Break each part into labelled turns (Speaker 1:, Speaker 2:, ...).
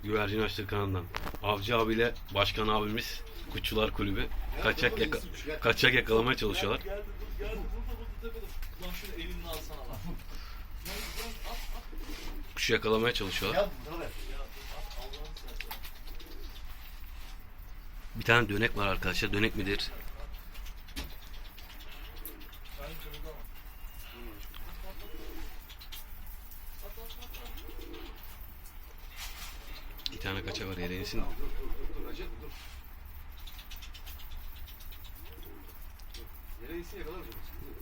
Speaker 1: Güvercin Açlık kanalından. Avcı abiyle başkan abimiz Kuşçular Kulübü kaçak yakalamaya çalışıyorlar.
Speaker 2: Geldi dur geldi burada tepede. Ulan şunu elinle alsana lan.
Speaker 1: Kuşu yakalamaya çalışıyorlar.
Speaker 2: Ya Allah'ını seversen.
Speaker 1: Bir tane dönek var arkadaşlar. Dönek midir?
Speaker 2: Sen kırıldı ama.
Speaker 1: Bir tane kaça var yere insin.
Speaker 3: Dur Recep dur. Yere insin yakalar mı?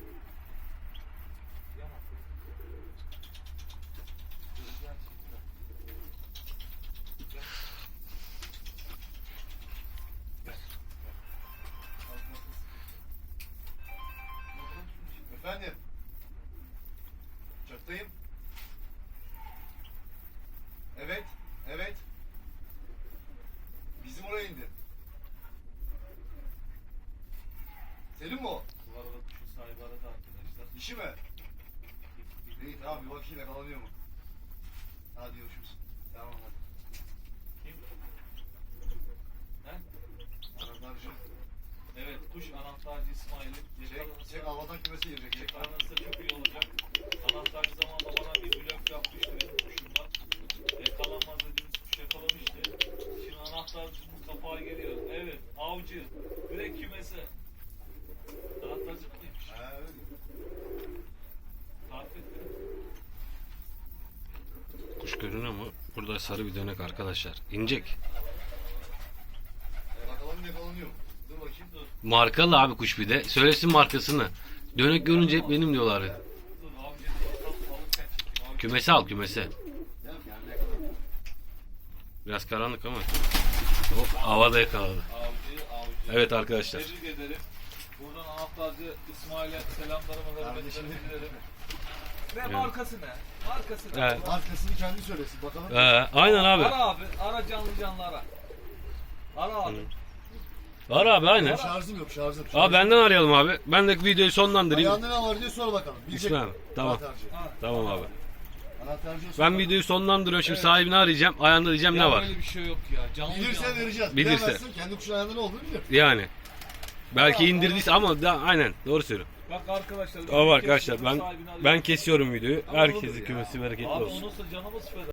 Speaker 3: Efendim. Uçaktayım. Evet. Evet. Bizim oraya indi. Senin mi o?
Speaker 2: Bu arada kuşun sahibi aradı arkadaşlar.
Speaker 3: Dişi mi? İyi tamam bir bakayım yakalanıyor mu? Hadi görüşürüz. Tamam hadi.
Speaker 2: Kim? He?
Speaker 3: Anahtarcı.
Speaker 2: Evet kuş anahtarcı İsmail'in.
Speaker 3: Çek havadan kümesi girecek. Çek.
Speaker 2: Yakalanırsa çok iyi olacak. Anahtarcı zamanında bana bir blok yapmıştı benim kuşumdan. Yakalanmaz dediğimiz kuş yakalamıştı. Şimdi anahtarcının kapağı geliyor. Evet avcı. Direkt kümese. Anahtarcı bu neymiş?
Speaker 3: Ha öyle.
Speaker 2: Tarif etti.
Speaker 1: Kuş görünüyor mu? Burada sarı bir dönek arkadaşlar. İnecek.
Speaker 3: Yakalanıyor mu? Dur bakayım dur.
Speaker 1: Markalı abi kuş bir de. Söylesin markasını. Dönek görünce hep benim diyorlar.
Speaker 2: Dur avcı. Alırken çekeyim. Avcı.
Speaker 1: Kümese al kümese.
Speaker 3: Gel yani yakalanıyor.
Speaker 1: Biraz karanlık ama. Hop havada yakaladı.
Speaker 2: Avcı.
Speaker 1: Evet arkadaşlar.
Speaker 2: Tebrik ederim. Buradan anahtarcı İsmail'e selamlarımı hürmetlerimi
Speaker 3: Kardeşim.
Speaker 2: dilerim. Ve markası ne? Markası ne?
Speaker 1: Evet.
Speaker 3: Markasını kendi söylesin bakalım.
Speaker 1: Aynen abi.
Speaker 2: Ara abi. Ara canlı ara. Ara abi.
Speaker 1: Var abi aynen.
Speaker 3: Şarjım yok şarjım.
Speaker 1: Abi benden arayalım abi. Ben de videoyu sonlandırayım.
Speaker 3: Ayağında ne var diye sor bakalım. Bilecek
Speaker 1: İsmail
Speaker 3: mi?
Speaker 1: abi, tamam.
Speaker 3: Anahtarcı.
Speaker 2: Ha.
Speaker 1: Tamam abi.
Speaker 3: Anahtarcıya sor
Speaker 1: Ben
Speaker 3: bakalım.
Speaker 1: videoyu sonlandırıyorum. Şimdi
Speaker 2: Evet.
Speaker 1: sahibini arayacağım. Ayağında diyeceğim
Speaker 2: Ya
Speaker 1: ne var.
Speaker 2: Böyle bir şey yok ya. Canlı
Speaker 3: Bilirse
Speaker 2: canlı.
Speaker 3: vereceğiz.
Speaker 1: Bilirse.
Speaker 3: Bilemezsin kendi kuşun ayağında ne olduğunu bilir.
Speaker 1: Yani. Belki indirdiyse ama da aynen doğru söylüyorum.
Speaker 2: Bak arkadaşlar.
Speaker 1: Tamam arkadaşlar
Speaker 2: sahibini arıyorum.
Speaker 1: ben kesiyorum videoyu.
Speaker 2: Ama olur
Speaker 1: Herkesi
Speaker 2: ya.
Speaker 1: kümesi bereketli
Speaker 2: Abi
Speaker 1: olsun.
Speaker 2: onunsa canımız feda.